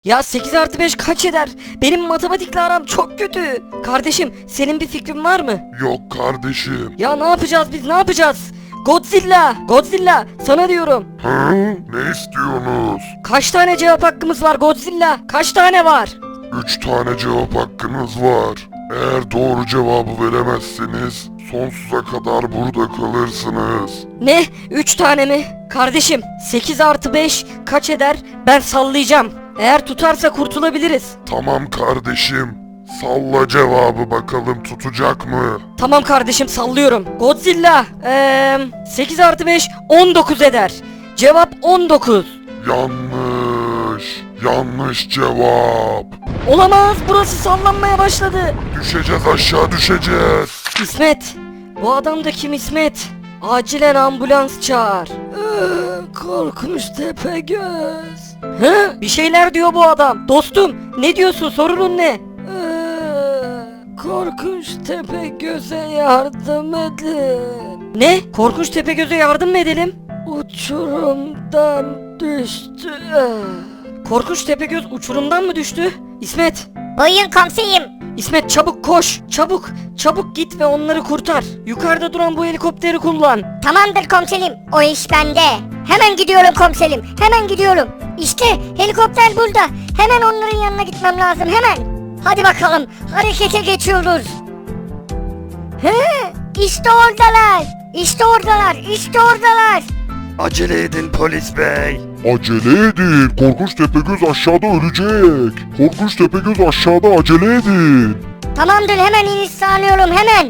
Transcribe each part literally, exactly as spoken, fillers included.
Ya sekiz artı beş kaç eder? Benim matematikle aram çok kötü. Kardeşim senin bir fikrin var mı? Yok kardeşim. Ya ne yapacağız biz ne yapacağız? Godzilla! Godzilla! Sana diyorum. Hı? Ne istiyorsunuz? Kaç tane cevap hakkımız var Godzilla? Kaç tane var? Üç tane cevap hakkınız var. Eğer doğru cevabı veremezseniz sonsuza kadar burada kalırsınız. Ne? Üç tane mi? Kardeşim sekiz artı beş kaç eder? Ben sallayacağım. Eğer tutarsa kurtulabiliriz. Tamam kardeşim. Salla cevabı bakalım tutacak mı? Tamam kardeşim sallıyorum. Godzilla ee, sekiz artı beş on dokuz eder. Cevap on dokuz. Yanlış. Yanlış cevap. Olamaz, burası sallanmaya başladı. Düşeceğiz, aşağı düşeceğiz. İsmet, bu adam da kim İsmet? Acilen ambulans çağır. Ee, korkunç Tepegöz. Hı? Bir şeyler diyor bu adam. Dostum, ne diyorsun? Sorunun ne? Ee, korkunç Tepegöz'e yardım edin. Ne? Korkunç Tepegöz'e yardım mı edelim? Uçurumdan düştü. Korkunç Tepegöz uçurumdan mı düştü? İsmet, Buyurun komiserim. İsmet çabuk koş, çabuk, çabuk git ve onları kurtar. Yukarıda duran bu helikopteri kullan. Tamamdır komiserim. O iş bende. Hemen gidiyorum komiserim. Hemen gidiyorum. İşte helikopter burada. Hemen onların yanına gitmem lazım. Hemen. Hadi bakalım. Harekete geçiyoruz. He, işte oradalar. İşte oradalar. İşte oradalar. Acele edin polis bey. Acele edin. Korkunç Tepegöz aşağıda ölecek. Korkunç Tepegöz aşağıda, acele edin. Tamamdır, hemen iniş sağlıyorum hemen.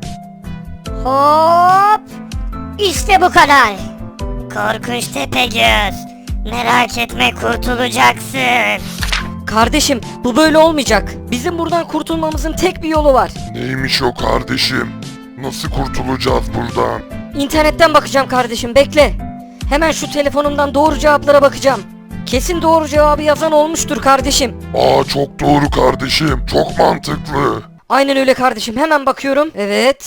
Hop. İşte bu kadar. Korkunç Tepegöz. Merak etme, kurtulacaksın. Kardeşim, bu böyle olmayacak. Bizim buradan kurtulmamızın tek bir yolu var. Neymiş o kardeşim? Nasıl kurtulacağız buradan? İnternetten bakacağım kardeşim, bekle. Hemen şu telefonumdan doğru cevaplara bakacağım. Kesin doğru cevabı yazan olmuştur kardeşim. Aa, çok doğru kardeşim. Çok mantıklı. Aynen öyle kardeşim, hemen bakıyorum. Evet.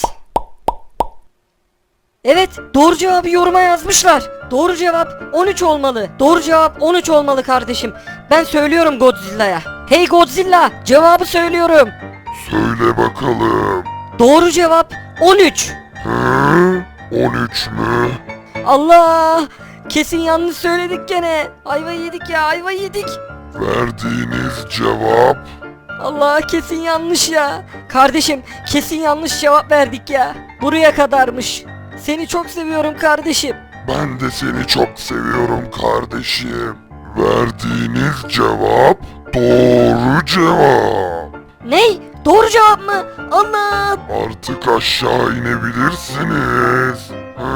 Evet, doğru cevabı yoruma yazmışlar. Doğru cevap on üç olmalı. Doğru cevap on üç olmalı kardeşim. Ben söylüyorum Godzilla'ya. Hey Godzilla, cevabı söylüyorum. Söyle bakalım. Doğru cevap on üç. Hı? on üç mü? Allah! Kesin yanlış söyledik gene. Ayva yedik ya, ayva yedik. Verdiğiniz cevap Allah, kesin yanlış ya. Kardeşim, kesin yanlış cevap verdik ya. Buraya kadarmış. Seni çok seviyorum kardeşim. ben de seni çok seviyorum kardeşim. Verdiğiniz cevap doğru cevap. Ney? Doğru cevap mı? Allah! Artık aşağı inebilirsiniz.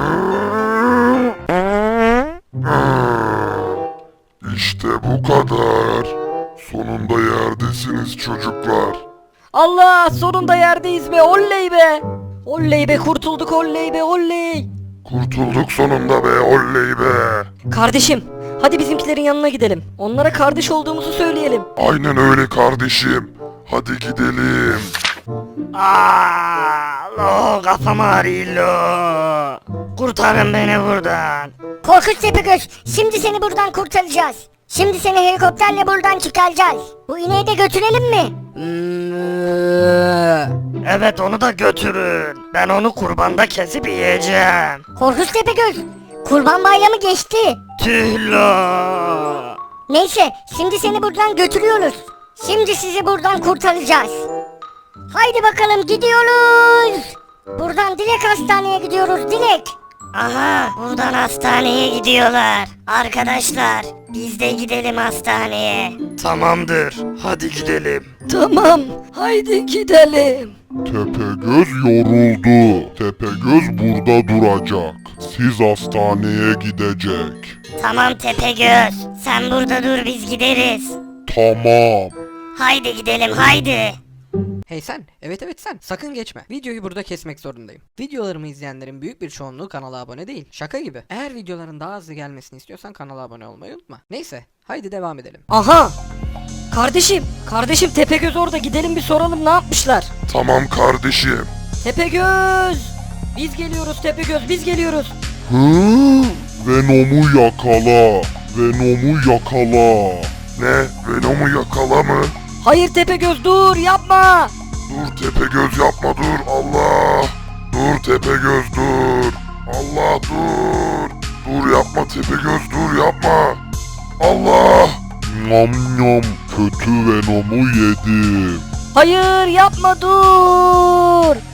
İşte bu kadar. Sonunda yerdesiniz çocuklar. Allah! Sonunda yerdeyiz be, oley be! Oley be, kurtulduk, oley be, oley! Kurtulduk sonunda be, oley be. Kardeşim, hadi bizimkilerin yanına gidelim. Onlara kardeş olduğumuzu söyleyelim. Aynen öyle kardeşim. Hadi gidelim. Aa, lo kafam ağrıyor lo. Kurtarın beni buradan. Korkunç Tepegöz, şimdi seni buradan kurtaracağız. Şimdi seni helikopterle buradan çıkaracağız. Bu ineği de götürelim mi? Evet, onu da götürün. Ben onu kurbanda kesip yiyeceğim. Korkunç Tepegöz, Kurban Bayramı geçti. Tüh lo. Neyse, şimdi seni buradan götürüyoruz. Şimdi sizi buradan kurtaracağız. Haydi bakalım, gidiyoruz. Buradan Dilek Hastane'ye gidiyoruz, Dilek. Aha, buradan hastaneye gidiyorlar. Arkadaşlar, biz de gidelim hastaneye. Tamamdır. Hadi gidelim. Tamam, haydi gidelim. Tepegöz yoruldu. Tepegöz burada duracak. Siz hastaneye gidecek. Tamam Tepegöz, sen burada dur, biz gideriz. Tamam. Haydi gidelim, haydi. Hey sen, evet evet sen, sakın geçme. Videoyu burada kesmek zorundayım. Videolarımı izleyenlerin büyük bir çoğunluğu kanala abone değil. Şaka gibi. Eğer videoların daha hızlı gelmesini istiyorsan kanala abone olmayı unutma. Neyse, haydi devam edelim. Aha! Kardeşim, kardeşim Tepegöz orada, gidelim bir soralım ne yapmışlar. Tamam kardeşim. Tepegöz! Biz geliyoruz Tepegöz, biz geliyoruz. Hı? Venom'u yakala. Venom'u yakala. Ne? Venom'u yakala mı? Hayır Tepegöz dur yapma. Dur Tepegöz yapma dur Allah. Dur Tepegöz dur. Allah dur. Dur yapma Tepegöz dur yapma. Allah. Nyam nyam kötü Venom'u yedim. Hayır yapma dur.